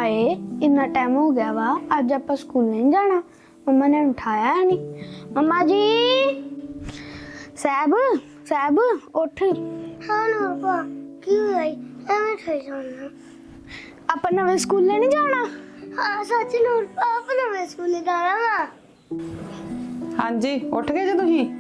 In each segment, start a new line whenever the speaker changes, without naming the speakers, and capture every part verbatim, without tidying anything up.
हाय इतना टाइम हो गया वा आज आप स्कूल नहीं जाना। मम्मा ने उठाया नहीं। मम्मा जी साहब साहब उठ।
हाँ ना क्यों आई मैं ठहर जाना।
आप नवे स्कूल नहीं जाना।
हाँ सच नूर आप नवे स्कूल जाना वा।
हाँ जी उठ गए जो तुसीं?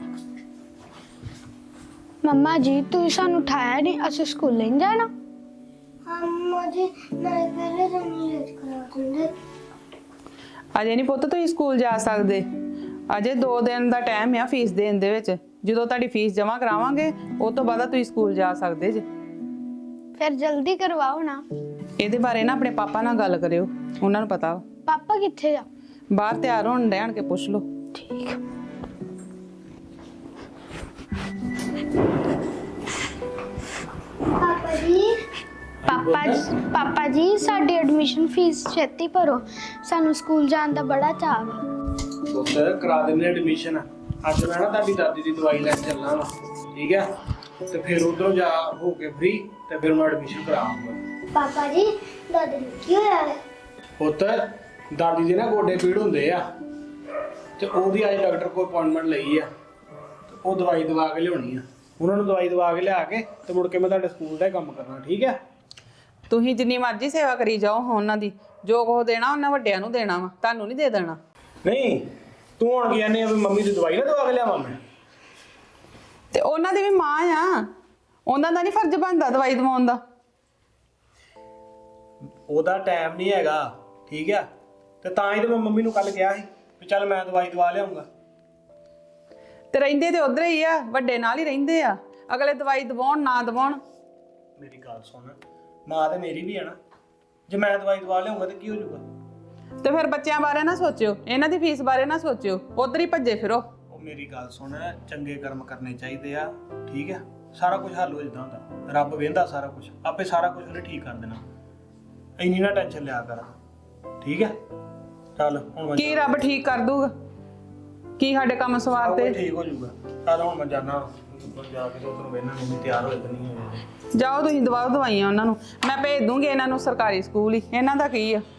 मम्मा जी तुम सानू उठाया नहीं असं स्कूल नहीं जाना।
हाँ मुझे नहीं पहले तो नहीं लेट करा दूँगे।
ਅਜੇ ਨਹੀਂ ਪੁੱਤ ਤੁਸੀਂ ਸਕੂਲ ਜਾ ਸਕਦੇ। ਅਜੇ ਦੋ ਦਿਨ ਦਾ ਟਾਈਮ ਆ ਫੀਸ ਦੇਣ ਦੇ ਵਿੱਚ। ਜਦੋਂ ਤੁਹਾਡੀ ਫੀਸ ਜਮ੍ਹਾਂ ਕਰਾਵਾਂਗੇ ਉਸ ਤੋਂ ਬਾਅਦ ਤੁਸੀਂ ਸਕੂਲ ਜਾ ਸਕਦੇ ਜੇ।
फिर जल्दी करवाओ ना।
ਇਹਦੇ ਬਾਰੇ ਨਾ ਆਪਣੇ ਪਾਪਾ ਨਾਲ ਗੱਲ ਕਰਿਓ, ਉਹਨਾਂ ਨੂੰ ਪਤਾ ਵਾ।
पापा किथे जा?
ਬਾਹਰ ਤਿਆਰ ਹੋਣ ਰਹਿਣ ਕੇ ਪੁੱਛ ਲਓ।
ठीक
पापा जी
पापा जी पापा जी साडी एडमिशन फीस छेती भरो सानू स्कूल जान दा बड़ा चाह वा।
ਪੁੱਤਰ ਕਰਾ ਦਿੰਦੇ ਐਡਮਿਸ਼ਨ। ਅੱਜ ਮੈਂ ਨਾ ਤੁਹਾਡੀ ਦਾਦੀ ਦੀ ਦਵਾਈ ਲੈਣ ਚੱਲਣਾ ਵਾ, ਠੀਕ ਹੈ? ਤੇ ਫਿਰ ਉਧਰੋਂ ਜਾ ਹੋ ਕੇ ਫ੍ਰੀ ਤੇ ਫਿਰ ਮੈਂ ਐਡਮਿਸ਼ਨ ਕਰਾਉਂਗਾ।
पापा जी दादी ने क्यों आया?
ਪੁੱਤਰ ਦਾਦੀ ਦੇ ਨਾ ਗੋਡੇ ਪੀੜ ਹੁੰਦੇ ਆ ਤੇ ਉਹਦੀ ਅੱਜ ਡਾਕਟਰ ਕੋਲ ਅਪਾਇੰਟਮੈਂਟ ਲਈ ਆ ਤੇ ਉਹ ਦਵਾਈ ਦਵਾ ਕੇ ਲਿਆਉਣੀ ਆ। ਉਹਨਾਂ ਨੂੰ ਦਵਾਈ ਦਵਾ ਕੇ ਲਿਆ ਕੇ ਤੇ ਮੁੜ ਕੇ ਮੈਂ ਤੁਹਾਡੇ ਸਕੂਲ ਦਾ ਹੀ ਕੰਮ ਕਰਨਾ, ਠੀਕ ਹੈ?
ਤੁਸੀਂ ਜਿੰਨੀ ਮਰਜ਼ੀ ਸੇਵਾ ਕਰੀ ਜਾਓ ਉਹਨਾਂ ਦੀ, ਜੋ ਕੁਛ ਦੇਣਾ ਉਹਨਾਂ ਵੱਡਿਆਂ ਨੂੰ ਦੇਣਾ ਵਾ, ਤੁਹਾਨੂੰ ਨਹੀਂ ਦੇ ਦੇਣਾ।
ਨਹੀਂ ਤੂੰ ਹੁਣ ਕੀ ਕਹਿੰਦੀ ਆ ਵੀ ਮੰਮੀ ਦੀ ਦਵਾਈ ਨਾ ਦਵਾ ਕੇ ਲਿਆਵਾਂ ਮੈਂ?
ਤੇ ਉਹਨਾਂ ਦੀ ਵੀ ਮਾਂ ਆ, ਉਹਨਾਂ ਦਾ ਨਹੀਂ ਫਰਜ਼ ਬਣਦਾ ਦਵਾਈ ਦਵਾਉਣ ਦਾ?
ਉਹਦਾ ਟਾਈਮ ਨਹੀਂ ਹੈਗਾ, ਠੀਕ ਆ? ਤੇ ਤਾਂ ਹੀ ਤੇ ਮੈਂ ਮੰਮੀ ਨੂੰ ਕੱਲ ਕਿਹਾ ਸੀ ਵੀ ਚੱਲ ਮੈਂ ਦਵਾਈ ਦਵਾ ਲਿਆਉਂਗਾ।
ਤੇ ਰਹਿੰਦੇ ਤੇ ਉਧਰ ਹੀ ਆ, ਵੱਡੇ ਨਾਲ ਹੀ ਰਹਿੰਦੇ ਆ। ਅਗਲੇ ਦਵਾਈ ਦਵਾਉਣ ਨਾ ਦਵਾਉਣ।
ਮੇਰੀ ਗੱਲ ਸੁਣ, ਮਾਂ ਤੇ ਮੇਰੀ ਵੀ ਹੈ ਨਾ। ਜੇ ਮੈਂ ਦਵਾਈ ਦਵਾ ਲਿਆਉਂਗਾ ਤੇ ਕੀ ਹੋ ਜਾਊਗਾ?
ਤੇ ਫਿਰ ਬੱਚਿਆਂ ਬਾਰੇ ਨਾ ਸੋਚਿਓ, ਇਹਨਾਂ ਦੀ ਫੀਸ ਬਾਰੇ ਨਾ ਸੋਚਿਓ, ਉਧਰ ਹੀ ਭੱਜੇ ਫਿਰੋ।
ਉਹ ਮੇਰੀ ਗੱਲ ਸੁਣ, ਚੰਗੇ ਕਰਮ ਕਰਨੇ ਚਾਹੀਦੇ ਆ, ਠੀਕ ਆ? ਸਾਰਾ ਕੁਝ ਹੱਲ ਹੋ ਜਾਂਦਾ ਹੁੰਦਾ। ਰੱਬ ਵੇਂਦਾ ਸਾਰਾ ਕੁਝ, ਆਪੇ ਸਾਰਾ ਕੁਝ ਉਹਨੇ ਠੀਕ ਕਰ ਦੇਣਾ। ਇੰਨੀ ਨਾ ਟੈਨਸ਼ਨ ਲਿਆ ਕਰ, ਠੀਕ ਹੈ? ਚੱਲ ਹੁਣ ਮੈਂ
ਕੀ ਰੱਬ ਠੀਕ ਕਰ ਦੂਗਾ? ਕੀ ਸਾਡੇ ਕੰਮ ਸਵਾਰ
ਤੇ
ਤੇ?
ਠੀਕ ਹੋ ਜਾਊਗਾ। ਚੱਲ ਹੁਣ ਮੈਂ ਜਾਣਾ, ਜਾ ਕੇ ਉਧਰੋਂ ਵੇਖਣਾ ਮੰਮੀ ਤਿਆਰ ਹੋਏ ਤੇ ਨਹੀਂ ਹੋਏ।
ਜਾਓ ਤੁਸੀਂ ਦਵਾਓ ਦਵਾਈਆਂ ਉਹਨਾਂ ਨੂੰ, ਮੈਂ ਭੇਜ ਦੂੰਗੀ ਇਹਨਾਂ ਨੂੰ ਸਰਕਾਰੀ ਸਕੂਲ ਹੀ। ਇਹਨਾਂ ਦਾ ਕੀ ਆ?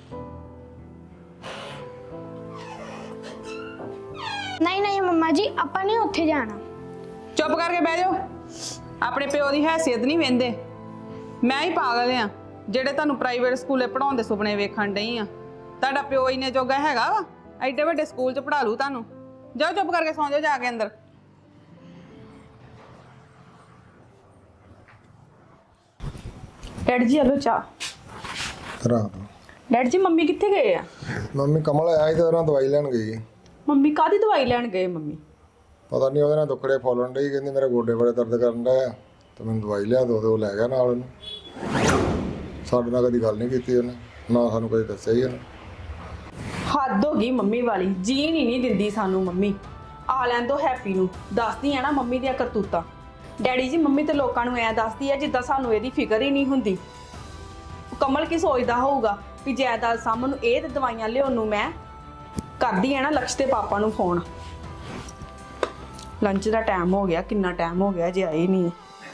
नहीं नहीं मम्मा जी ਆਪਾਂ ਨਹੀਂ ਉੱਥੇ ਜਾਣਾ।
ਚੁੱਪ ਕਰਕੇ ਬਹਿ ਜਾਓ। ਆਪਣੇ ਪਿਓ ਦੀ ਹੈਸੀਅਤ ਨਹੀਂ ਵੇਂਦੇ। ਮੈਂ ਹੀ ਪਾਗਲ ਆ ਜਿਹੜੇ ਤੁਹਾਨੂੰ ਪ੍ਰਾਈਵੇਟ ਸਕੂਲੇ ਪੜਾਉਣ ਦੇ ਸੁਪਨੇ ਵੇਖਣ ਡਈ ਆ। ਤੁਹਾਡਾ ਪਿਓ ਇੰਨੇ ਜੋਗਾ ਹੈਗਾ ਵਾ ਐਡੇ ਵੱਡੇ ਸਕੂਲ 'ਚ ਪੜ੍ਹਾ ਲੂ ਤੁਹਾਨੂੰ? ਜਾਓ ਚੁੱਪ ਕਰਕੇ ਸੌਂ ਜਾਓ ਜਾ ਕੇ ਅੰਦਰ। ਡੈਡ ਜੀ ਹਲੋ ਚਾਹ
ਤਰਾ ਦੋ।
ਡੈਡ ਜੀ ਮੰਮੀ ਕਿੱਥੇ ਗਏ ਆ?
ਮੰਮੀ ਕਮਲ ਆਇਆ ਸੀ ਤੇ ਉਹਨਾਂ ਦਵਾਈ ਲੈਣ ਗਈ।
ਮੰਮੀ ਕਾਹਦੀ ਦਵਾਈ ਲੈਣ ਗਏ ਮੰਮੀ?
ਪਤਾ ਨਹੀਂ ਉਹਦੇ ਨਾਲ ਦੁੱਖੜੇ ਫੋਲਣ ਡਈ, ਕਹਿੰਦੀ ਮੇਰੇ ਗੋਡੇ ਬੜੇ ਦਰਦ ਕਰਨ ਡਏ ਆ ਤੇ ਮੈਨੂੰ ਦਵਾਈ ਲਿਆ ਦੋ ਤੇ ਉਹ ਲੈ ਗਿਆ ਨਾਲ ਉਹਨੂੰ। ਸਾਡੇ ਨਾਲ ਕਦੀ ਗੱਲ ਨਹੀਂ ਕੀਤੀ ਉਹਨੇ, ਨਾ ਸਾਨੂੰ ਕਦੇ ਦੱਸਿਆ ਹੀ ਉਹਨੇ।
ਹੱਦ ਹੋ ਗਈ ਮੰਮੀ ਵਾਲੀ, ਜੀਣ ਹੀ ਨਹੀਂ ਦਿੰਦੀ ਸਾਨੂੰ ਮੰਮੀ। ਆ ਲੈਣ ਦੋ ਹੈਪੀ ਨੂੰ, ਦੱਸਦੀ ਆ ਨਾ ਮੰਮੀ ਦੀਆਂ ਕਰਤੂਤਾਂ। ਡੈਡੀ ਜੀ ਮੰਮੀ ਤੇ ਲੋਕਾਂ ਨੂੰ ਐ ਦੱਸਦੀ ਆ ਜਿੱਦਾਂ ਸਾਨੂੰ ਇਹਦੀ ਫਿਕਰ ਹੀ ਨਹੀਂ ਹੁੰਦੀ। ਕਮਲ ਕੀ ਸੋਚਦਾ ਹੋਊਗਾ ਵੀ ਜਾਇਦਾਦ ਸਾਹਮਣੇ ਇਹ ਤੇ ਦਵਾਈਆਂ ਲਿਆਉਣ ਨੂੰ ਮੈਂ ਕਰਦੀ ਆ ਨਾ ਲਕਸ਼ ਤੇ ਪਾਪਾ ਨੂੰ ਫੋਨ। ਲੰਚ ਦਾ ਟਾਈਮ ਹੋ ਗਿਆ, ਕਿੰਨਾ ਟਾਈਮ ਹੋ ਗਿਆ ਜੇ ਆਏ ਨਹੀਂ।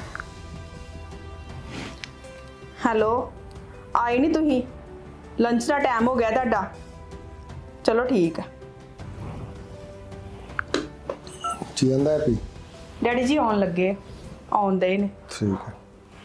ਹੈਲੋ ਆਏ ਨਹੀਂ ਤੁਸੀਂ? ਲੰਚ ਦਾ ਟਾਈਮ ਹੋ ਗਿਆ ਤੁਹਾਡਾ। ਚਲੋ ਠੀਕ ਹੈ।
ਕੀ ਕਹਿੰਦਾ ਹੈਪੀ?
ਡੈਡੀ ਜੀ ਆਉਣ ਲੱਗੇ, ਆਉਂਦੇ ਹੀ ਨੇ।
ਠੀਕ ਹੈ।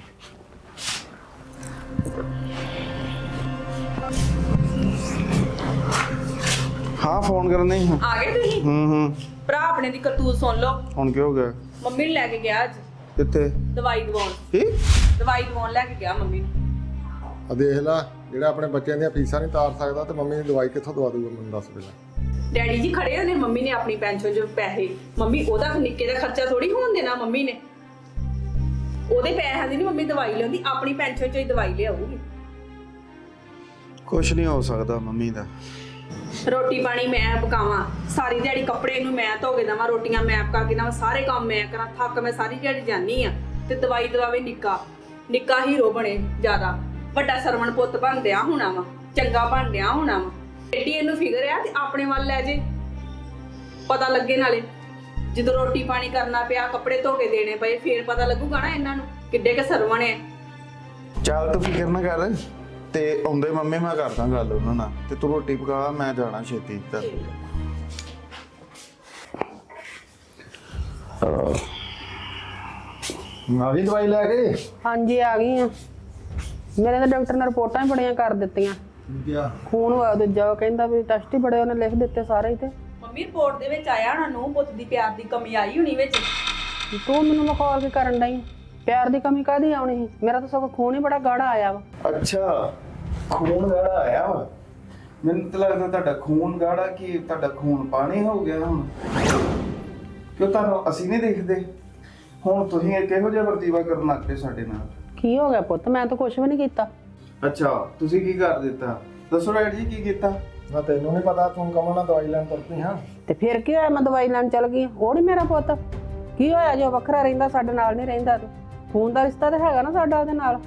हाँ फोन करना ही।
ਆ ਗਏ ਤੁਸੀਂ?
हम्म हम्म
ਭਰਾ ਆਪਣੇ ਦੀ ਕਰਤੂਤ ਸੁਣ ਲਓ।
ਹੁਣ ਕੀ ਹੋ ਗਿਆ?
ਮੰਮੀ ਨੂੰ ਲੈ ਕੇ ਗਿਆ ਅੱਜ
ਕਿੱਥੇ?
ਦਵਾਈ ਦਵਾਉਣ।
ਕੀ
ਦਵਾਈ ਦਵਾਉਣ ਲੈ ਕੇ ਗਿਆ ਮੰਮੀ ਨੂੰ।
ਆ ਦੇਖ ਲੈ, ਜਿਹੜਾ ਆਪਣੇ ਬੱਚਿਆਂ ਦੀਆਂ ਫੀਸਾਂ ਨਹੀਂ ਤਾਰ ਸਕਦਾ ਤੇ ਮੰਮੀ ਦੀ ਦਵਾਈ ਕਿੱਥੋਂ ਦਵਾ ਦੂਗਾ ਮੈਨੂੰ ਦੱਸ ਪਹਿਲਾਂ।
ਡੈਡੀ ਜੀ ਖੜੇ ਹੋਏ ਨੇ, ਮੰਮੀ ਨੇ ਆਪਣੀ ਪੈਨਸ਼ਨ ਚੋਂ ਪੈਸੇ, ਮੰਮੀ ਉਹਦਾ ਨਿੱਕੇ ਦਾ ਖਰਚਾ ਥੋੜੀ ਹੋਣ ਦੇਣਾ ਮੰਮੀ ਨੇ। ਉਹਦੇ ਪੈਸਿਆਂ ਦੀ ਨਹੀਂ ਮੰਮੀ ਦਵਾਈ ਲਿਆਉਂਦੀ, ਆਪਣੀ ਪੈਨਸ਼ਨ ਚੋਂ ਹੀ ਦਵਾਈ ਲਿਆਊਗੀ।
ਕੁਛ ਨਹੀਂ ਹੋ ਸਕਦਾ ਮੰਮੀ ਦਾ।
ਰੋਟੀ ਪਾਣੀ ਮੈਂ ਪਕਾਵਾਂ, ਸਾਰੀ ਦਿਹਾੜੀ ਕੱਪੜੇ ਨੂੰ ਮੈਂ ਧੋ ਕੇ ਦੇਵਾਂ, ਰੋਟੀਆਂ ਮੈਂ ਪਕਾ ਕੇ ਦੇਵਾਂ, ਸਾਰੇ ਕੰਮ ਮੈਂ ਕਰਾਂ, ਥੱਕ ਮੈਂ ਸਾਰੀ ਦਿਹਾੜੀ ਜਾਂਦੀ ਆ ਤੇ ਦਵਾਈ ਦਵਾਵੇ ਨਿੱਕਾ ਨਿੱਕਾ ਹੀਰੋ ਬਣੇ ਜ਼ਿਆਦਾ, ਵੱਡਾ ਸਰਵਣ ਪੁੱਤ ਬਣ ਦਿਆ ਹੋਣਾ ਵਾ, ਚੰਗਾ ਬਣ ਦਿਆ ਹੋਣਾ ਵਾ। ਏਡੀ ਇਹਨੂੰ ਫਿਕਰ ਆ ਤੇ ਆਪਣੇ ਵੱਲ ਲੈ ਜੇ, ਪਤਾ ਲੱਗੇ ਨਾਲੇ ਜਦੋਂ ਰੋਟੀ ਪਾਣੀ ਕਰਨਾ ਪਿਆ, ਕੱਪੜੇ ਧੋ ਕੇ ਦੇਣੇ ਪਏ, ਫੇਰ ਪਤਾ ਲੱਗੂਗਾ ਨਾ ਇਹਨਾਂ ਨੂੰ ਕਿੱਡੇ ਕੇ ਸਰਵਣ ਹੈ।
ਚੱਲ ਤੂੰ ਫਿਕਰ ਨਾ ਕਰ, ਤੇ ਆਉਂਦੇ ਮੰਮੀ ਮੈਂ ਕਰਦਾ ਗੱਲ ਉਹਨਾਂ ਨਾਲ ਤੇ ਤੂੰ ਰੋਟੀ ਪਕਾ, ਮੈਂ ਜਾਣਾ ਛੇਤੀ ਤੇ ਆ ਗਈ ਦਵਾਈ ਲੈ ਕੇ?
ਹਾਂਜੀ ਆ ਗਈ ਆ। ਮੇਰੇ ਤਾਂ ਡਾਕਟਰ ਨੇ ਰਿਪੋਰਟਾਂ ਹੀ ਬੜੀਆਂ ਕਰ ਦਿੱਤੀਆਂ।
ਕਿਆ
ਖੂਨ ਹੋਇਆ ਦੂਜਾ, ਕਹਿੰਦਾ ਵੀ ਟੈਸਟ ਹੀ ਬੜੇ ਉਹਨੇ ਲਿਖ ਦਿੱਤੇ ਸਾਰੇ ਹੀ। ਤੇ ਮੰਮੀ ਰਿਪੋਰਟ ਦੇ ਵਿੱਚ ਆਇਆ ਹੋਣਾ ਨੂੰ ਪੁੱਤ ਦੀ ਪਿਆਰ ਦੀ ਕਮੀ ਆਈ ਹੋਣੀ ਵਿੱਚ। ਤੂੰ ਮੈਨੂੰ ਮਖੌਲ ਕੀ ਕਰਨ ਡਈ? ਪਿਆਰ ਦੀ ਕਮੀ ਕਾਹਦੀ ਆਉਣੀ ਸੀ? ਮੇਰਾ ਤਾਂ ਸਗੋਂ ਖੂਨ ਹੀ ਬੜਾ ਗਾੜਾ ਆਇਆ ਵਾ।
ਅੱਛਾ, ਖੂਨ ਗਾੜਾ ਆਇਆ ਵਾ। ਮੈਨੂੰ ਤਾਂ ਲੱਗਦਾ ਤੁਹਾਡਾ ਖੂਨ ਗਾੜਾ ਕਿ ਤੁਹਾਡਾ ਖੂਨ ਪਾਣੀ ਹੋ ਗਿਆ ਹੁਣ। ਕਿਉਂ ਤੁਹਾਨੂੰ ਅਸੀਂ ਨਹੀਂ ਦੇਖਦੇ? ਹੁਣ ਤੁਸੀਂ ਇਹ ਕਿਹੋ ਜਿਹਾ ਵਰਤੀਵਾ ਕਰਨ ਲੱਗ ਪਏ ਸਾਡੇ ਨਾਲ?
ਕੀ ਹੋ ਗਿਆ ਪੁੱਤ? ਮੈਂ ਤਾਂ ਕੁਝ ਵੀ ਨਹੀਂ ਕੀਤਾ।
ਅੱਛਾ, ਤੁਸੀਂ ਕੀ ਕਰ ਦਿੱਤਾ? ਦੱਸੋ ਡੈਡ ਜੀ, ਕੀ ਕੀਤਾ?
ਨਾ ਤੈਨੂੰ ਨਹੀਂ ਪਤਾ, ਤੂੰ ਕਮਲ ਨਾਲ ਦਵਾਈ ਲੈਣ ਤੁਰ ਪਈ ਹਾਂ।
ਤੇ ਫਿਰ ਕੀ ਹੋਇਆ? ਮੈਂ ਦਵਾਈ ਲੈਣ ਚੱਲ ਗਈ, ਉਹ ਨਹੀਂ ਮੇਰਾ ਪੁੱਤ। ਕੀ ਹੋਇਆ ਜੋ ਵੱਖਰਾ ਰਹਿੰਦਾ, ਸਾਡੇ ਨਾਲ ਨਹੀਂ ਰਹਿੰਦਾ? ਤੂੰ ਖੂਨ ਦਾ ਰਿਸ਼ਤਾ ਤਾਂ ਹੈਗਾ ਨਾ ਸਾਡਾ ਉਹਦੇ ਨਾਲ।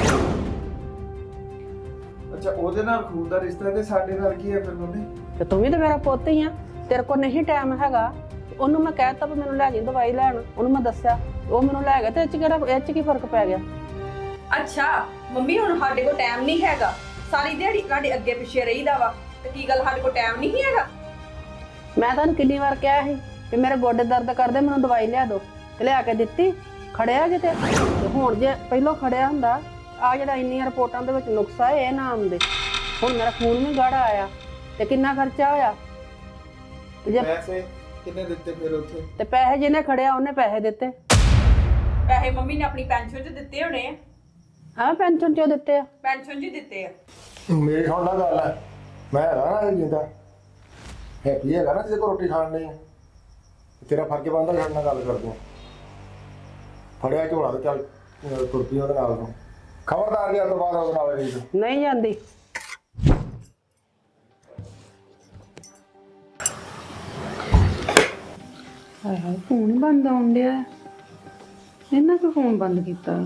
ਅੱਛਾ, ਉਹਦੇ ਨਾਲ ਖੂਨ ਦਾ ਰਿਸ਼ਤਾ ਤੇ ਸਾਡੇ ਨਾਲ ਕੀ ਹੈ ਫਿਰ ਮੰਮੀ?
ਤੇ ਤੂੰ ਵੀ ਤਾਂ ਮੇਰਾ ਪੁੱਤ ਹੀ ਆ। ਤੇਰੇ ਕੋਲ ਨਹੀਂ ਟਾਈਮ ਹੈਗਾ। ਉਹਨੂੰ ਮੈਂ ਕਹਿਤਾ ਵੀ ਮੈਨੂੰ ਲੈ ਜੀ ਦਵਾਈ ਲੈਣ, ਉਹਨੂੰ ਮੈਂ ਦੱਸਿਆ, ਉਹ ਮੈਨੂੰ ਲੈ ਗਿਆ। ਤੇ ਇਹ ਚ ਕਿਹੜਾ, ਇਹ ਚ ਕੀ ਫਰਕ ਪੈ ਗਿਆ?
ਅੱਛਾ ਮੰਮੀ, ਹੁਣ ਸਾਡੇ ਕੋਲ ਟਾਈਮ ਨਹੀਂ ਹੈਗਾ, ਸਾਰੀ ਦਿਹਾੜੀ ਤੁਹਾਡੇ ਅੱਗੇ ਪਿੱਛੇ ਰਹੀਦਾ ਵਾ, ਤੇ ਕੀ ਗੱਲ ਸਾਡੇ ਕੋਲ ਟਾਈਮ ਨਹੀਂ ਹੈਗਾ?
ਮੈਂ ਤੁਹਾਨੂੰ ਕਿੰਨੀ ਵਾਰ ਕਿਹਾ ਸੀ ਕਿ ਮੇਰੇ ਗੋਡੇ ਦਰਦ ਕਰਦੇ, ਮੈਨੂੰ ਦਵਾਈ ਲਿਆ ਦਿਓ, ਤੇ ਲਿਆ ਕੇ ਦਿੱਤੀ? ਖੜਿਆ ਕਿਤੇ? ਤੇ ਹੁਣ ਜੇ ਪਹਿਲਾਂ ਖੜਿਆ ਹੁੰਦਾ, ਆ ਜਿਹੜਾ ਇੰਨੀਆਂ ਰਿਪੋਰਟਾਂ ਦੇ ਵਿੱਚ ਨੁਕਸਾ ਹੈ ਇਹ ਨਾ ਆਉਂਦੇ। ਹੁਣ ਮੇਰਾ ਖੂਨ ਵੀ ਗਾੜਾ ਆਇਆ ਤੇ ਕਿੰਨਾ ਖਰਚਾ ਹੋਇਆ। ਤੇ ਜੇ
ਪੈਸੇ ਕਿੰਨੇ ਦਿੱਤੇ ਫਿਰ ਉੱਥੇ?
ਤੇ ਪੈਸੇ ਜਿਹਨੇ ਖੜਿਆ ਉਹਨੇ ਪੈਸੇ ਦਿੱਤੇ।
ਪੈਸੇ ਮੰਮੀ ਨੇ ਆਪਣੀ ਪੈਨਸ਼ਨ 'ਚ ਦਿੱਤੇ ਹੋਣੇ ਆ।
ਹਾਂ, ਪੈਨਸ਼ਨ ਚੋਂ ਦਿੱਤੇ ਆ।
ਪੈਨਸ਼ਨ 'ਚ ਹੀ ਦਿੱਤੇ ਆ।
ਮੇਰੀ ਹੁਣ ਨਾ ਗੱਲ ਹੈ, ਮੈਂ ਹੈਗਾ ਨਾ ਜਿੰਦਾ ਹੈਪੀ ਹੈਗਾ ਨਾ, ਜਿਹਦੇ ਕੋਲ ਰੋਟੀ ਖਾਣ ਨਹੀਂ ਤੇਰਾ ਫਰਕ ਬਣਦਾ ਸਾਡੇ ਨਾਲ ਗੱਲ ਕਰਦੇ ਫੜਿਆ ਝੋਲਾ ਤੇ ਚੱਲ ਅਹ ਤੁਰ ਪਈ ਉਹਦੇ ਨਾਲ ਨੂੰ। ਖਬਰਦਾਰ ਗਿਆ ਤੋਂ ਬਾਅਦ ਉਹਦੇ ਨਾਲ ਗਈ ਤੂੰ।
ਨਹੀਂ ਜਾਂਦੀ। ਹਾਏ ਹਾਏ, ਫੋਨ ਹੀ ਬੰਦ ਆਉਣ ਡਿਆ। ਇਹਨਾਂ ਕਿਉਂ ਫੋਨ ਬੰਦ ਕੀਤਾ?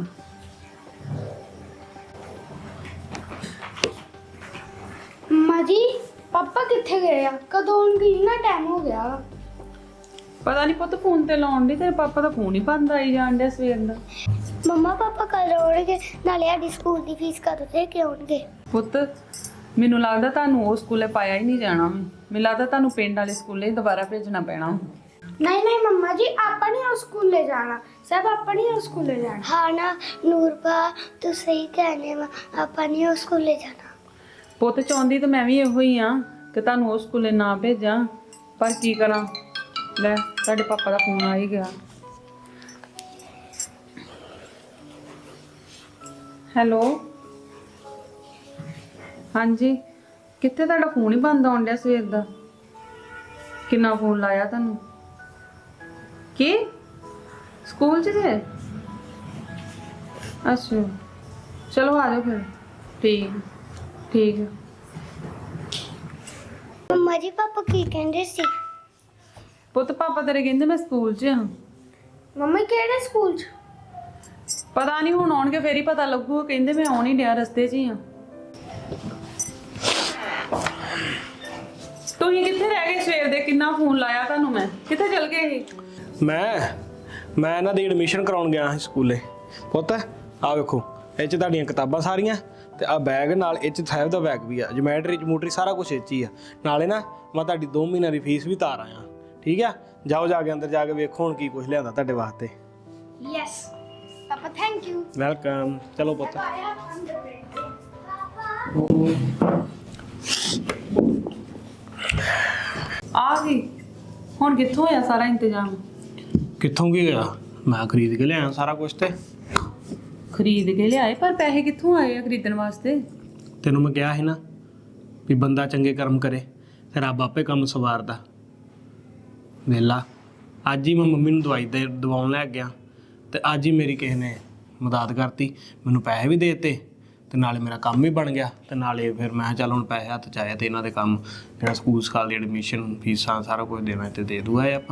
ਮੰਮਾ ਜੀ, ਪਾਪਾ ਕਿੱਥੇ ਗਏ ਆ? ਕਦੋਂ ਆਉਣਗੇ? ਇੰਨਾ ਟਾਈਮ ਹੋ ਗਿਆ ਵਾ।
ਪਤਾ ਨਹੀਂ ਪੁੱਤ, ਫੋਨ ਤੇ ਲਾਉਣ ਦੀ ਤੇਰੇ ਪਾਪਾ ਦਾ ਫੋਨ ਹੀ ਬੰਦ ਆਈ ਜਾਣ ਡਿਆ ਸਵੇਰ ਦਾ।
ਮੰਮਾ ਪਾਪਾ ਕਦ ਆਉਣਗੇ? ਨਾਲੇ ਸਾਡੀ ਸਕੂਲ ਦੀ ਫੀਸ ਕਦੋਂ ਦੇ ਕੇ ਆਉਣਗੇ?
ਪੁੱਤ ਮੈਨੂੰ ਲੱਗਦਾ ਤੁਹਾਨੂੰ ਉਹ ਸਕੂਲੇ ਪਾਇਆ ਹੀ ਨਹੀਂ ਜਾਣਾ। ਮੈਨੂੰ ਲੱਗਦਾ ਤੁਹਾਨੂੰ ਪਿੰਡ ਵਾਲੇ ਸਕੂਲੇ ਹੀ ਦੁਬਾਰਾ ਭੇਜਣਾ ਪੈਣਾ।
ਨਹੀਂ ਨਹੀਂ ਮੰਮਾ ਜੀ, ਆਪਾਂ ਨਹੀਂ ਉਸ ਸਕੂਲੇ ਜਾਣਾ। ਸਭ ਆਪਾਂ ਨਹੀਂ ਉਸ ਸਕੂਲੇ ਜਾਣਾ।
ਹਾਂ ਨਾ ਨੂਰਪਾ, ਤੂੰ ਸਹੀ ਕਹਿੰਦੇ ਵਾ, ਆਪਾਂ ਨਹੀਂ ਉਸ ਸਕੂਲੇ ਜਾਣਾ।
ਪੁੱਤ ਚਾਹੁੰਦੀ ਤਾਂ ਮੈਂ ਵੀ ਇਹੋ ਹੀ ਆ ਕਿ ਤੁਹਾਨੂੰ ਉਹ ਸਕੂਲੇ ਨਾ ਭੇਜਾਂ, ਪਰ ਕੀ ਕਰਾਂ। ਲੈ ਤੁਹਾਡੇ ਪਾਪਾ ਦਾ ਫੋਨ ਆ ਹੀ ਗਿਆ। ਹੈਲੋ, ਹਾਂਜੀ, ਕਿੱਥੇ? ਤੁਹਾਡਾ ਫੋਨ ਹੀ ਬੰਦ ਆਉਣ ਡਿਆ ਸਵੇਰ ਦਾ। ਕਿੰਨਾ ਫੋਨ ਲਾਇਆ ਤੁਹਾਨੂੰ? ਕੀ ਸਕੂਲ 'ਚ ਜੇ? ਅੱਛਾ, ਚਲੋ ਆ ਜਾਓ ਫਿਰ। ਠੀਕ ਠੀਕ ਹੈ।
ਮੰਮਾ ਜੀ ਪਾਪਾ ਕੀ ਕਹਿੰਦੇ ਸੀ?
ਪੁੱਤ ਪਾਪਾ ਤੇਰੇ ਕਹਿੰਦੇ ਮੈਂ ਸਕੂਲ 'ਚ ਹਾਂ।
ਮੰਮੀ ਕਿਹੜੇ ਸਕੂਲ 'ਚ?
ਪਤਾ ਨਹੀਂ, ਹੁਣ ਆਉਣਗੇ ਫੇਰ ਹੀ ਪਤਾ ਲੱਗੂ। ਕਹਿੰਦੇ ਮੈਂ ਆਉਣ ਹੀ ਡਿਆ, ਰਸਤੇ 'ਚ ਹੀ ਹਾਂ। ਤੁਸੀਂ ਕਿੱਥੇ ਰਹਿ ਗਏ ਸਵੇਰ ਦੇ? ਕਿੰਨਾ ਫੋਨ ਲਾਇਆ ਤੁਹਾਨੂੰ ਮੈਂ, ਕਿੱਥੇ ਚਲ ਗਏ ਸੀ?
ਮੈਂ ਮੈਂ ਇਹਨਾਂ ਦੀ ਐਡਮਿਸ਼ਨ ਕਰਾਉਣ ਗਿਆ ਸੀ ਸਕੂਲੇ। ਪੁੱਤ ਆ ਵੇਖੋ, ਇਹ 'ਚ ਤੁਹਾਡੀਆਂ ਕਿਤਾਬਾਂ ਸਾਰੀਆਂ, ਤੇ ਆ ਬੈਗ ਨਾਲ, ਇਹ 'ਚ ਸਾਹਿਬ ਦਾ ਬੈਗ ਵੀ ਆ, ਜਮੈਟਰੀ ਜਮੂਟਰੀ ਸਾਰਾ ਕੁਝ ਇਹ 'ਚ ਹੀ ਆ। ਨਾਲੇ ਨਾ ਮੈਂ ਤੁਹਾਡੀ ਦੋ ਮਹੀਨਿਆਂ ਦੀ ਫੀਸ ਵੀ ਤਾਰ ਆਇਆ। ਠੀਕ ਆ, ਜਾਓ ਜਾ ਕੇ ਅੰਦਰ ਜਾ ਕੇ ਵੇਖੋ ਹੁਣ ਕੀ ਕੁਝ ਲਿਆਂਦਾ ਤੁਹਾਡੇ ਵਾਸਤੇ।
Yes papa, thank you.
Welcome. ਚਲੋ ਪੁੱਤ।
ਆ ਗਈ। ਹੁਣ ਕਿੱਥੋਂ ਹੋਇਆ ਸਾਰਾ ਇੰਤਜ਼ਾਮ?
ਕਿੱਥੋਂ ਕੀ ਗਿਆ? ਮੈਂ ਖਰੀਦ ਕੇ ਲਿਆਇਆ ਸਾਰਾ ਕੁਝ। ਤੇ
ਖਰੀਦ ਕੇ ਲਿਆਏ, ਪਰ ਪੈਸੇ ਕਿੱਥੋਂ ਆਏ ਆ ਖਰੀਦਣ ਵਾਸਤੇ?
ਤੈਨੂੰ ਮੈਂ ਕਿਹਾ ਸੀ ਨਾ ਵੀ ਬੰਦਾ ਚੰਗੇ ਕਰਮ ਕਰੇ ਤੇ ਰੱਬ ਆਪੇ ਕੰਮ ਸਵਾਰਦਾ। ਵੇਲਾ ਅੱਜ ਹੀ ਮੈਂ ਮੰਮੀ ਨੂੰ ਦਵਾਈ ਦੇ ਦਵਾਉਣ ਲੈ ਗਿਆ, ਤੇ ਅੱਜ ਹੀ ਮੇਰੀ ਕਿਸੇ ਨੇ ਮਦਦ ਕਰਤੀ, ਮੈਨੂੰ ਪੈਸੇ ਵੀ ਦੇ ਦਿੱਤੇ, ਤੇ ਨਾਲੇ ਮੇਰਾ ਕੰਮ ਵੀ ਬਣ ਗਿਆ। ਤੇ ਨਾਲੇ ਫਿਰ ਮੈਂ ਚੱਲ ਹੁਣ ਪੈਸੇ ਹੱਥ 'ਚ ਆਇਆ, ਤੇ ਇਹਨਾਂ ਦੇ ਕੰਮ ਜਿਹੜਾ ਸਕੂਲ ਸਕਾਲ ਦੀ ਐਡਮਿਸ਼ਨ ਫੀਸਾਂ ਸਾਰਾ ਕੁਝ ਦੇਣਾ ਤੇ ਦੇ ਦੂਆ ਆਪਾਂ।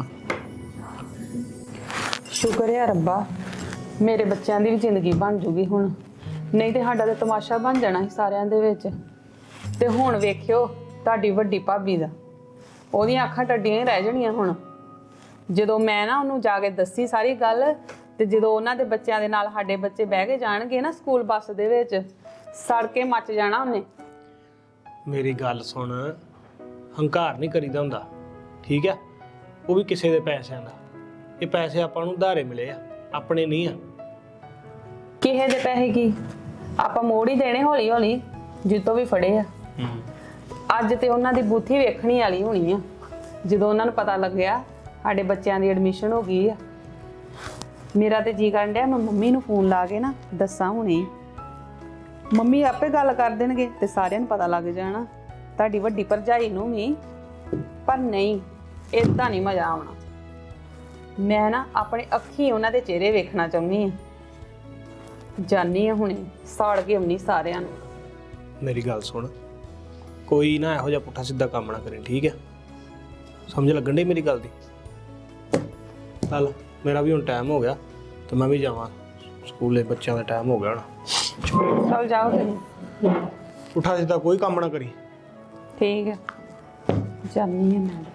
ਸ਼ੁਕਰ ਹੈ ਰੱਬਾ, ਮੇਰੇ ਬੱਚਿਆਂ ਦੀ ਵੀ ਜ਼ਿੰਦਗੀ ਬਣ ਜੂਗੀ ਹੁਣ, ਨਹੀਂ ਤੇ ਸਾਡਾ ਤਾਂ ਤਮਾਸ਼ਾ ਬਣ ਜਾਣਾ ਸੀ ਸਾਰਿਆਂ ਦੇ ਵਿੱਚ। ਤੇ ਹੁਣ ਵੇਖਿਓ ਤੁਹਾਡੀ ਵੱਡੀ ਭਾਬੀ ਦਾ, ਉਹਦੀਆਂ ਅੱਖਾਂ ਟੱਡੀਆਂ ਹੀ ਰਹਿ ਜਾਣੀਆਂ ਹੁਣ। ਜਦੋਂ ਮੈਂ ਨਾ ਉਹਨੂੰ ਜਾ ਕੇ ਦੱਸੀ ਸਾਰੀ ਗੱਲ, ਤੇ ਜਦੋਂ ਉਹਨਾਂ ਦੇ ਬੱਚਿਆਂ ਦੇ ਨਾਲ ਸਾਡੇ ਬੱਚੇ ਬਹਿ ਕੇ ਜਾਣਗੇ ਨਾ ਸਕੂਲ ਬੱਸ ਦੇ ਵਿੱਚ,
ਸੜ ਕੇ ਮੱਚ ਜਾਣਾ ਉਹਨੇ।
ਮੇਰੀ ਗੱਲ ਸੁਣ, ਹੰਕਾਰ ਨਹੀਂ ਕਰੀਦਾ ਹੁੰਦਾ, ਠੀਕ ਹੈ? ਉਹ ਵੀ ਕਿਸੇ ਦੇ ਪੈਸਿਆਂ ਦਾ। ਇਹ ਪੈਸੇ ਆਪਾਂ ਨੂੰ ਉਧਾਰੇ ਮਿਲੇ ਆ, ਆਪਣੇ ਨਹੀਂ ਆ।
ਕਿਸੇ ਦੇ ਪੈਸੇ ਕੀ, ਆਪਾਂ ਮੋੜ ਹੀ ਦੇਣੇ ਹੌਲੀ ਹੌਲੀ ਜਿੱਤੋਂ ਵੀ ਫੜੇ ਆ। ਅੱਜ ਤੇ ਉਹਨਾਂ ਦੀ ਬੂਥੀ ਵੇਖਣੀ ਵਾਲੀ ਹੋਣੀ ਆ ਜਦੋਂ ਉਹਨਾਂ ਨੂੰ ਪਤਾ ਲੱਗਿਆ ਸਾਡੇ ਬੱਚਿਆਂ ਦੀ ਐਡਮਿਸ਼ਨ ਹੋ ਗਈ ਆ। ਮੇਰਾ ਤੇ ਜੀ ਕਰਨ ਡਿਆ ਮੈਂ ਮੰਮੀ ਨੂੰ ਫੋਨ ਲਾ ਕੇ ਨਾ ਦੱਸਾਂ ਹੁਣੇ। ਮੰਮੀ ਆਪੇ ਗੱਲ ਕਰ ਦੇਣਗੇ ਤੇ ਸਾਰਿਆਂ ਨੂੰ ਪਤਾ ਲੱਗ ਜਾਣਾ, ਤੁਹਾਡੀ ਵੱਡੀ ਭਰਜਾਈ ਨੂੰ ਵੀ। ਪਰ ਨਹੀਂ, ਏਦਾਂ ਨਹੀਂ ਮਜ਼ਾ ਆਉਣਾ। ਮੈਂ ਨਾ ਆਪਣੇ ਅੱਖੀਂ ਉਹਨਾਂ ਦੇ ਚਿਹਰੇ ਵੇਖਣਾ ਚਾਹੁੰਦੀ ਆ। ਜਾਨੀ ਆ ਹੁਣੇ ਸਾੜ ਕੇ ਆਉਣੀ ਸਾਰਿਆਂ ਨੂੰ।
ਮੇਰੀ ਗੱਲ ਸੁਣ, ਕੋਈ ਨਾ ਇਹੋ ਜਿਹਾ ਪੁੱਠਾ ਸਿੱਧਾ ਕੰਮ ਨਾ ਕਰੇ, ਠੀਕ ਹੈ? ਸਮਝ ਲੱਗਣ ਡਈ ਮੇਰੀ ਗੱਲ ਦੀ? ਚੱਲ ਮੇਰਾ ਵੀ ਹੁਣ ਟਾਈਮ ਹੋ ਗਿਆ ਤੇ ਮੈਂ ਵੀ ਜਾਵਾਂ ਸਕੂਲੇ, ਬੱਚਿਆਂ ਦਾ ਟਾਈਮ ਹੋ ਗਿਆ ਹੁਣ।
ਚਲ ਜਾਓ ਤੁਸੀਂ।
ਪੁੱਠਾ ਸਿੱਧਾ ਕੋਈ ਕੰਮ ਨਾ ਕਰੀ।
ਠੀਕ ਹੈ, ਜਾਨੀ ਆ ਮੈਂ।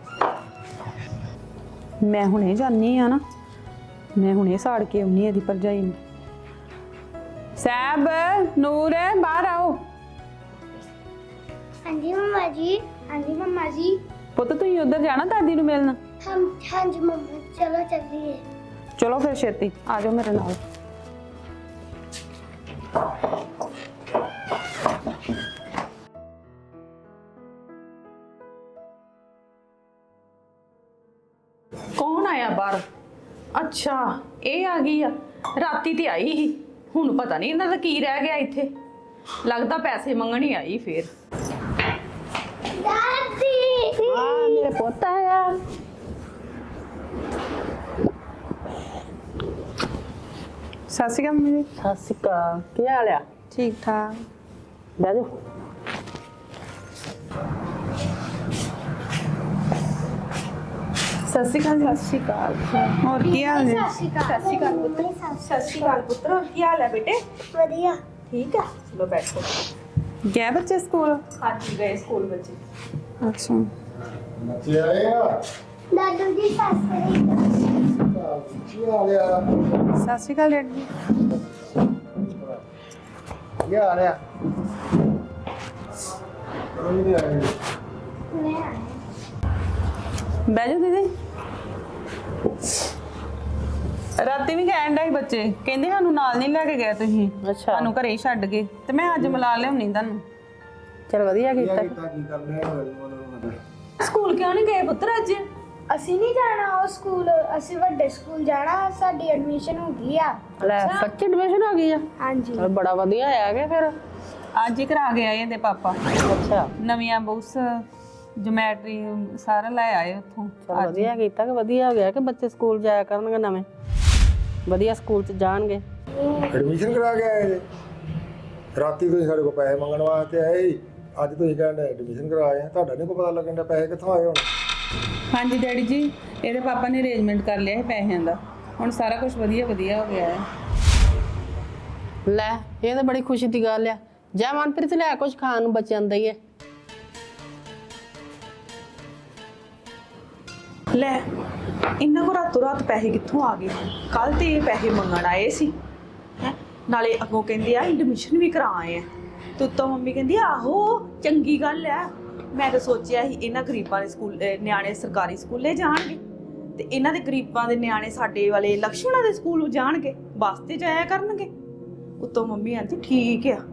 ਮੈਂ ਹੁਣੇ ਜਾਨੀ ਆ ਨਾ, ਮੈਂ ਹੁਣੇ ਸਾੜ ਕੇ ਆਉਣੀ ਇਹਦੀ ਭਰਜਾਈ ਨੂੰ। ਸਾਹਿਬ, ਨੂਰ, ਬਾਹਰ ਆਓ।
ਹਾਂਜੀ मम्मा जी। ਹਾਂਜੀ मम्मा जी।
ਪੁੱਤ ਤੁਸੀਂ ਉਧਰ ਜਾਣਾ ਦਾਦੀ ਨੂੰ ਮਿਲਣ?
हम हाँ जी मम्मा, चलो चलिए।
ਚਲੋ ਫਿਰ ਛੇਤੀ ਆ ਜਾਓ ਮੇਰੇ ਨਾਲ।
ਕੌਣ ਆਇਆ ਬਾਹਰ? ਅੱਛਾ, ਇਹ ਆ ਗਈ ਆ। ਰਾਤੀ ਤੇ ਆਈ ਸੀ, ਹੁਣ ਪਤਾ ਨਹੀਂ ਇਹਨਾਂ ਦਾ ਕੀ ਰਹਿ ਗਿਆ ਇੱਥੇ। ਲੱਗਦਾ ਪੈਸੇ ਮੰਗਣ ਹੀ ਆਈ ਫੇਰ।
दादी।
ਆ ਮੇਰੇ ਪੁੱਤ ਆਇਆ। ਸਤਿ ਸ਼੍ਰੀ ਅਕਾਲ ਮੰਮੀ।
ਸਤਿ ਸ਼੍ਰੀ ਅਕਾਲ। ਕੀ ਹਾਲ ਆ?
ਠੀਕ ਠਾਕ।
ਬਹਿ ਜਾਓ।
ਸਤਿ ਸ਼੍ਰੀ ਅਕਾਲ। ਸਤਿ ਸ਼੍ਰੀ ਅਕਾਲ। ਹੋਰ ਕੀ ਹਾਲ ਹੈ?
सत श्री अकाल पुत्र।
ਸਤਿ ਸ਼੍ਰੀ ਅਕਾਲ ਪੁੱਤਰ, ਕੀ ਹਾਲ ਹੈ ਬੇਟੇ?
बढ़िया।
ਠੀਕ ਆ, ਚਲੋ ਬੈਠੋ।
ਗਏ ਬੱਚੇ ਸਕੂਲ?
ਹਾਂਜੀ ਗਏ ਸਕੂਲ ਬੱਚੇ।
ਅੱਛਾ।
ਬੱਚੇ ਆਏ ਆ।
दादू जी सत श्री
ਕੀ ਹਾਲ ਆ?
ਸਤਿ ਸ਼੍ਰੀ ਅਕਾਲ ਡੈਡੀ ਜੀ।
ਕੀ ਹਾਲ ਆ? ਕੋਈ ਨਹੀਂ ਆਏ।
ਬਹਿ ਜਾਓ ਦੀਦੀ। ਰਾਤੀ ਵੀ ਕਹਿਣ ਡਏ ਸੀ ਬੱਚੇ, ਕਹਿੰਦੇ ਸਾਨੂੰ ਨਾਲ ਨਹੀਂ ਲੈ ਕੇ ਗਏ ਤੁਸੀਂ,
ਅੱਛਾ।
ਸਾਨੂੰ ਘਰੇ ਹੀ ਛੱਡ ਗਏ। ਤੇ ਮੈਂ ਅੱਜ ਮਿਲਾ ਲਿਆਉਣੀ ਤੁਹਾਨੂੰ।
ਚਲ ਵਧੀਆ
ਕੀ
ਕੀਤਾ।
ਕੀਤਾ ਕੀ ਕਰਦੇ ਆ?
ਸਕੂਲ ਕਿਉਂ ਨਹੀਂ ਗਏ ਪੁੱਤਰ ਅੱਜ?
ਅਸੀਂ ਨਹੀਂ ਜਾਣਾ ਉਹ ਸਕੂਲ, ਅਸੀਂ ਵੱਡੇ ਸਕੂਲ ਜਾਣਾ। ਸਾਡੀ ਐਡਮਿਸ਼ਨ ਹੋ ਗਈ ਆ।
ਲੈ ਸੱਚ ਐਡਮਿਸ਼ਨ ਹੋ ਗਈ ਆ?
ਹਾਂਜੀ।
ਚਲ ਬੜਾ ਵਧੀਆ ਆ ਗਿਆ ਫਿਰ।
ਅੱਜ ਹੀ ਕਰਾ ਕੇ ਆਏ ਇਹਦੇ ਪਾਪਾ।
ਅੱਛਾ,
ਨਵੀਆਂ ਬੁੱਕਸ, ਜਿਓਮੈਟਰੀ ਸਾਰਾ ਲੈ ਆਏ ਉੱਥੋਂ।
ਚਲ ਵਧੀਆ ਕੀਤਾ ਕਿ ਵਧੀਆ ਹੋ ਗਿਆ ਕਿ ਬੱਚੇ ਸਕੂਲ ਜਾਇਆ ਕਰਨਗੇ ਨਵੇਂ, ਵਧੀਆ ਸਕੂਲ 'ਚ ਜਾਣਗੇ।
ਐਡਮਿਸ਼ਨ ਕਰਾ ਕੇ ਆਏ ਜੀ? ਰਾਤੀ ਤੁਸੀਂ ਸਾਡੇ ਕੋਲ ਪੈਸੇ ਮੰਗਣ ਵਾਸਤੇ ਆਏ ਸੀ, ਅੱਜ ਤੁਸੀਂ ਕਹਿੰਦੇ ਐਡਮਿਸ਼ਨ ਕਰਾਏ ਆ। ਤੁਹਾਡਾ ਨਹੀਂ ਕੋਈ ਪਤਾ ਲੱਗਣ ਦਾ ਪੈਸੇ ਕਿੱਥੋਂ ਆਏ ਹੁਣ?
ਹਾਂਜੀ ਡੈਡੀ ਜੀ, ਇਹਦੇ ਪਾਪਾ ਨੇ ਅਰੇਂਜਮੈਂਟ ਕਰ ਲਿਆ ਹੈ ਪੈਸਿਆਂ ਦਾ। ਹੁਣ ਸਾਰਾ ਕੁਝ ਵਧੀਆ ਵਧੀਆ ਹੋ ਗਿਆ ਹੈ।
ਲੈ ਇਹ ਤਾਂ ਬੜੀ ਖੁਸ਼ੀ ਦੀ ਗੱਲ ਆ। ਜਾ ਮਨਪ੍ਰੀਤ ਲੈ ਕੁਝ ਖਾਣ ਨੂੰ ਬੱਚਿਆਂ ਦਾ ਹੀ ਹੈ।
ਲੈ ਇਹਨਾਂ ਕੋ ਰਾਤੋਂ ਰਾਤ ਪੈਸੇ ਕਿੱਥੋਂ ਆ ਗਏ? ਕੱਲ ਤੇ ਇਹ ਪੈਸੇ ਮੰਗਣ ਆਏ ਸੀ ਹੈ, ਨਾਲੇ ਅੱਗੋਂ ਕਹਿੰਦੇ ਆ ਐਡਮਿਸ਼ਨ ਵੀ ਕਰਾ ਆਏ ਆ। ਤੇ ਉੱਤੋਂ ਮੰਮੀ ਕਹਿੰਦੀ ਆਹੋ ਚੰਗੀ ਗੱਲ ਆ। ਮੈਂ ਤਾਂ ਸੋਚਿਆ ਸੀ ਇਹਨਾਂ ਗਰੀਬਾਂ ਦੇ ਸਕੂਲ ਅਹ ਨਿਆਣੇ ਸਰਕਾਰੀ ਸਕੂਲੇ ਜਾਣਗੇ ਤੇ ਇਹਨਾਂ ਦੇ ਗਰੀਬਾਂ ਦੇ ਨਿਆਣੇ ਸਾਡੇ ਵਾਲੇ ਲਕਸ਼ਮਣਾ ਦੇ ਸਕੂਲ ਜਾਣਗੇ, ਬੱਸ ਤੇ ਜਾਇਆ ਕਰਨਗੇ। ਉੱਤੋਂ ਮੰਮੀ ਆਂਦੀ ਠੀਕ ਆ।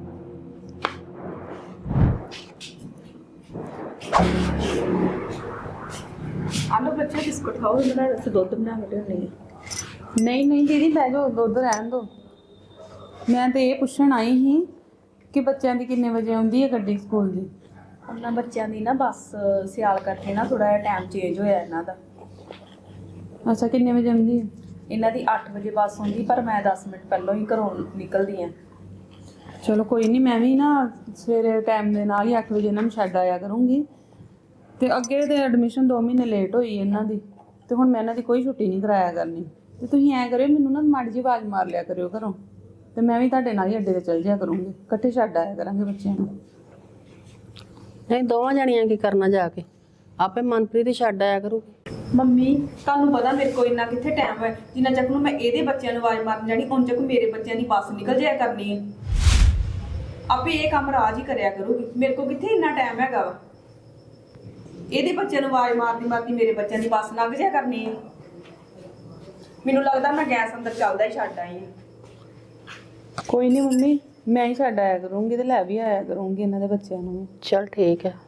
ਆਲੋ ਬੱਚੇ ਬਿਸਕੁਟ ਖਾਓ, ਇਹਨਾਂ ਦਾ ਅਸੀਂ ਦੁੱਧ ਬਣਾ ਕੇ ਲਿਆਉਂਦੇ ਹਾਂ।
ਨਹੀਂ ਨਹੀਂ ਦੀਦੀ ਬਹਿ ਜਾਓ, ਦੁੱਧ ਰਹਿਣ ਦਿਓ। ਮੈਂ ਤੇ ਇਹ ਪੁੱਛਣ ਆਈ ਸੀ ਕਿ ਬੱਚਿਆਂ ਦੀ ਕਿੰਨੇ ਵਜੇ ਆਉਂਦੀ ਹੈ ਗੱਡੀ ਸਕੂਲ ਦੀ?
ਉਹਨਾਂ ਬੱਚਿਆਂ ਦੀ ਨਾ ਬੱਸ ਸਿਆਲ ਕਰਕੇ ਨਾ ਥੋੜਾ ਜਿਹਾ ਟਾਈਮ ਚੇਂਜ ਹੋਇਆ ਇਹਨਾਂ ਦਾ।
ਅੱਛਾ, ਕਿੰਨੇ ਵਜੇ ਆਉਂਦੀ ਹੈ?
ਇਹਨਾਂ ਦੀ ਅੱਠ ਵਜੇ ਬੱਸ ਹੁੰਦੀ, ਪਰ ਮੈਂ ਦਸ ਮਿੰਟ ਪਹਿਲਾਂ ਹੀ ਘਰੋਂ ਨਿਕਲਦੀ ਆ।
ਚਲੋ ਕੋਈ ਨਹੀਂ, ਮੈਂ ਵੀ ਨਾ ਸਵੇਰੇ ਟਾਈਮ ਦੇ ਨਾਲ ਹੀ ਅੱਠ ਵਜੇ ਇਹਨਾਂ ਨੂੰ ਛੱਡ ਆਇਆ ਕਰੂੰਗੀ। ਤੇ ਅੱਗੇ ਤੇ ਐਡਮਿਸ਼ਨ ਦੋ ਮਹੀਨੇ ਲੇਟ ਹੋਈ ਇਹਨਾਂ ਦੀ, ਤੇ ਹੁਣ ਮੈਂ ਇਹਨਾਂ ਦੀ ਕੋਈ ਛੁੱਟੀ ਨਹੀਂ ਕਰਾਇਆ ਕਰਨੀ। ਤੇ ਤੁਸੀਂ ਐਂ ਕਰਿਓ, ਮੈਨੂੰ ਨਾ ਮਾੜੀ ਜਿਹੀ ਆਵਾਜ਼ ਮਾਰ ਲਿਆ ਕਰਿਓ ਘਰੋਂ, ਤੇ ਮੈਂ ਵੀ ਤੁਹਾਡੇ ਨਾਲ ਹੀ ਅੱਡੇ ਤੇ ਚੱਲ ਜਾਇਆ ਕਰੂੰਗੀ। ਇਕੱਠੇ ਛੱਡ ਆਇਆ ਕਰਾਂਗੇ ਬੱਚਿਆਂ ਨੂੰ।
ਨਹੀਂ ਦੋਵਾਂ ਜਣੀਆਂ ਕੀ ਕਰਨਾ ਜਾ ਕੇ, ਆਪੇ ਮਨਪ੍ਰੀਤ ਹੀ ਛੱਡ ਆਇਆ ਕਰੂਗੀ।
ਮੰਮੀ ਤੁਹਾਨੂੰ ਪਤਾ ਮੇਰੇ ਕੋਲ ਇੰਨਾ ਕਿੱਥੇ ਟਾਈਮ ਹੈ, ਜਿੰਨਾ ਚੱਕ ਨੂੰ ਮੈਂ ਇਹਦੇ ਬੱਚਿਆਂ ਨੂੰ ਆਵਾਜ਼ ਮਾਰਨ ਜਾਣੀ ਉਨ ਚੱਕ ਮੇਰੇ ਬੱਚਿਆਂ ਦੀ ਬੱਸ ਨਿਕਲ ਜਾਇਆ ਕਰਨੀ ਹੈ।
ਆਪੇ ਇਹ ਕੰਮ ਰਾਜ ਹੀ ਕਰਿਆ ਕਰੂਗੀ, ਮੇਰੇ ਕੋਲ ਕਿੱਥੇ ਇੰਨਾ ਟਾਈਮ ਹੈਗਾ ਵਾ। ਇਹਦੇ ਬੱਚਿਆਂ ਨੂੰ ਆਵਾਜ਼ ਮਾਰਦੀ ਮਾਰਦੀ ਮੇਰੇ ਬੱਚਿਆਂ ਦੀ ਬੱਸ ਲੰਘ ਜਿਆ ਕਰਨੀ ਹੈ। ਮੈਨੂੰ ਲੱਗਦਾ ਮੈਂ ਗੈਸ ਅੰਦਰ ਚੱਲਦਾ ਹੀ ਛੱਡ ਆਈ ਹਾਂ।
ਕੋਈ ਨਹੀਂ ਮੰਮੀ, ਮੈਂ ਹੀ ਛੱਡ ਆਇਆ ਕਰੂੰਗੀ ਤੇ ਲੈ ਵੀ ਆਇਆ ਕਰੂੰਗੀ ਇਹਨਾਂ ਦੇ ਬੱਚਿਆਂ ਨੂੰ।
ਚਲ ਠੀਕ ਹੈ।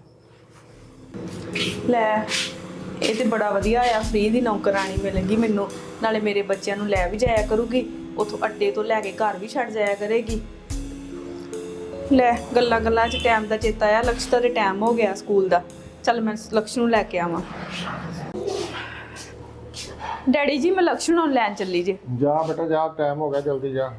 ਲੈ ਇਹ ਤੇ ਬੜਾ ਵਧੀਆ ਆ, ਫ੍ਰੀ ਦੀ ਨੌਕਰਾਨੀ ਮਿਲੇਗੀ ਮੈਨੂੰ, ਨਾਲੇ ਮੇਰੇ ਬੱਚਿਆਂ ਨੂੰ ਲੈ ਵੀ ਜਾਇਆ ਕਰੂਗੀ, ਉਥੋਂ ਅੱਡੇ ਤੋਂ ਲੈ ਕੇ ਘਰ ਵੀ ਛੱਡ ਜਾਇਆ ਕਰੇਗੀ। ਲੈ ਗੱਲਾਂ ਗੱਲਾਂ 'ਚ ਟਾਈਮ ਦਾ ਚੇਤਾ ਆਇਆ, ਲਕਸ਼ ਦਾ ਤੇ ਟਾਈਮ ਹੋ ਗਿਆ ਸਕੂਲ ਦਾ। ਚੱਲ ਮੈਂ ਲਕਸ਼ ਨੂੰ ਲੈ ਕੇ ਆਵਾਂ। ਡੈਡੀ ਜੀ ਮੈਂ ਲਕਸ਼ ਨੂੰ ਲੈਣ ਚੱਲੀ ਜੇ।
ਜਾ ਬੇਟਾ ਜਾ, ਟਾਈਮ ਹੋ ਗਿਆ, ਜਲਦੀ ਜਾ।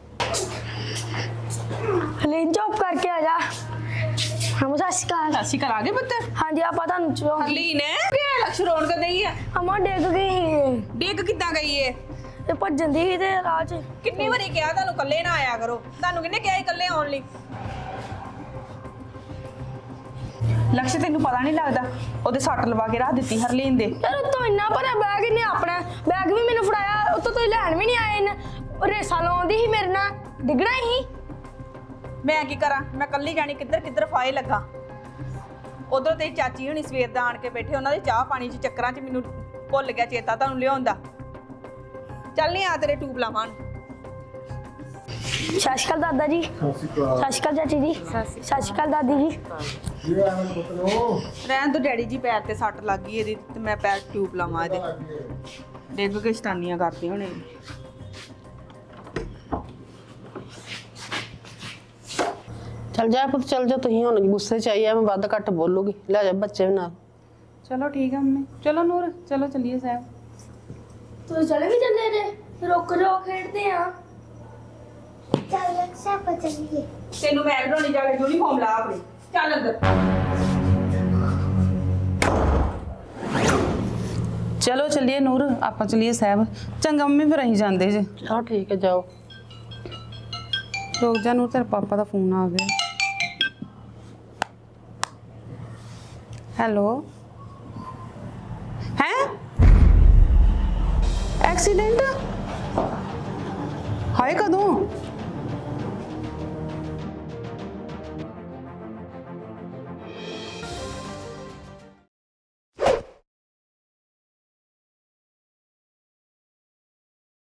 ਹਲੀਨ ਚੁੱਪ ਕਰਕੇ ਆ ਜਾ। ਹਮ ਸਤਿ ਸ਼੍ਰੀ ਅਕਾਲ।
ਅਸੀਂ ਕਰਾ ਗਏ ਪੁੱਤਰ।
ਹਾਂਜੀ ਆਪਾਂ ਤੁਹਾਨੂੰ ਚੋ
ਹਰਲੀਨ ਕਿ ਲਕਸ਼ ਰੋਣ ਕਰ ਗਈ ਹੈ?
ਹਮਾ ਡਿੱਗ ਗਈ ਸੀ
ਡਿੱਗ ਕਿੱਦਾਂ ਗਈ ਏ?
ਤੇ ਭੱਜਣ ਦੀ ਸੀ ਤੇ ਰਾਹ 'ਚ।
ਕਿੰਨੀ ਵਾਰੀ ਕਿਹਾ ਤੁਹਾਨੂੰ ਇਕੱਲੇ ਨਾ ਆਇਆ ਕਰੋ, ਤੁਹਾਨੂੰ ਕਿਹਨੇ ਕਿਹਾ ਇਕੱਲੇ ਆਉਣ ਲਈ? ਲਕਸ਼ ਤੈਨੂੰ ਪਤਾ ਨਹੀਂ ਲੱਗਦਾ, ਉਹਦੇ ਸੱਟ ਲਵਾ ਕੇ ਰੱਖ ਦਿੱਤੀ ਹਰਲੀਨ ਦੇ।
ਯਾਰ ਉਤੋਂ ਇੰਨਾ ਭਰਿਆ ਬੈਗ ਇਹਨੇ ਆਪਣਾ ਬੈਗ ਵੀ ਮੈਨੂੰ ਫੜਾਇਆ, ਉਤੋਂ ਤੁਸੀਂ ਲੈਣ ਵੀ ਨਹੀਂ ਆਏ ਨੇ। ਰੇਸਾਂ ਲਾਉਂਦੀ ਸੀ ਮੇਰੇ ਨਾਲ, ਡਿੱਗਣਾ ਹੀ।
ਮੈਂ ਕੀ ਕਰਾਂ, ਮੈਂ ਕੱਲੀ ਜਾਣੀ ਕਿੱਧਰ ਕਿੱਧਰ ਫਾਏ ਲੱਗਾ। ਉਧਰ ਤੇ ਚਾਚੀ ਹੁਣੀ ਸਵੇਰ ਦਾ ਆਣ ਕੇ ਬੈਠੇ, ਉਹਨਾਂ ਦੇ ਚਾਹ ਪਾਣੀ 'ਚ ਚੱਕਰਾਂ 'ਚ ਮੈਨੂੰ ਭੁੱਲ ਗਿਆ ਚੇਤਾ ਤੁਹਾਨੂੰ ਲਿਆਉਣ ਦਾ। ਚੱਲ ਨਹੀਂ ਆ ਤੇਰੇ ਟੂਬ ਲਾਵਾਂ।
ਸਤਿ ਸ਼੍ਰੀ ਅਕਾਲ ਦਾਦਾ ਜੀ।
ਸਤਿ ਸ਼੍ਰੀ ਅਕਾਲ।
ਸਤਿ ਸ਼੍ਰੀ ਅਕਾਲ ਚਾਚੀ ਜੀ। ਸਤਿ ਸ਼੍ਰੀ ਅਕਾਲ ਦਾਦੀ ਜੀ।
ਕੀ ਹੋਇਆ ਮੇਰੇ ਪੁੱਤ ਨੂੰ?
ਰਹਿਣ ਤੋਂ ਡੈਡੀ ਜੀ ਪੈਰ ਤੇ ਸੱਟ ਲੱਗ ਗਈ ਇਹਦੀ, ਤੇ ਮੈਂ ਪੈਰ ਟਿਊਬ ਲਾਵਾਂ ਇਹਦੇ। ਡਿੱਗ ਕੇ ਸ਼ਤਾਨੀਆਂ ਕਰਦੇ ਹੋਣੇ।
ਚਲ ਜਾ ਪੁੱਤ, ਚਲ ਜਾ। ਤੁਸੀਂ ਹੁਣ ਗੁੱਸੇ 'ਚ ਆਈ ਆ, ਮੈਂ ਵੱਧ ਘੱਟ ਬੋਲੂਗੀ। ਲੈ ਜਾ ਬੱਚੇ ਵੀ ਨਾਲ।
ਚਲੋ ਠੀਕ ਆ ਮੰਮੀ। ਚਲੋ ਨੂਰ, ਚਲੋ ਚੱਲੀਏ ਸਾਹਿਬ।
ਤੁਸੀਂ ਚਲੇ ਵੀ ਚੱਲੇ ਜੇ? ਰੁਕ ਜਾਓ, ਖੇਡਦੇ ਆ।
ਚੱਲ ਲਕਸ਼ਾ ਪਚਲੀਏ।
ਤੈਨੂੰ ਮੈਂ ਬਣਾਉਣੀ ਜਾ ਕੇ ਯੂਨੀਫਾਰਮ ਲਾ ਆਪਣੀ। ਚੱਲ ਅੰਦਰ।
ਚਲੋ ਚੱਲੀਏ ਨੂਰ, ਆਪਾਂ ਚੱਲੀਏ ਸਾਹਿਬ। ਚੰਗਾ ਮੰਮੀ, ਫਿਰ ਅਸੀਂ ਜਾਂਦੇ ਜੇ।
ਚਲੋ ਠੀਕ ਹੈ, ਜਾਓ।
ਰੁਕ ਜਾ ਨੂਰ, ਤੇਰੇ ਪਾਪਾ ਦਾ ਫੋਨ ਆ ਗਿਆ। ਹੈਲੋ। ਹੈ ਐਕਸੀਡੈਂਟ? ਹਾਏ ਕਦੋਂ?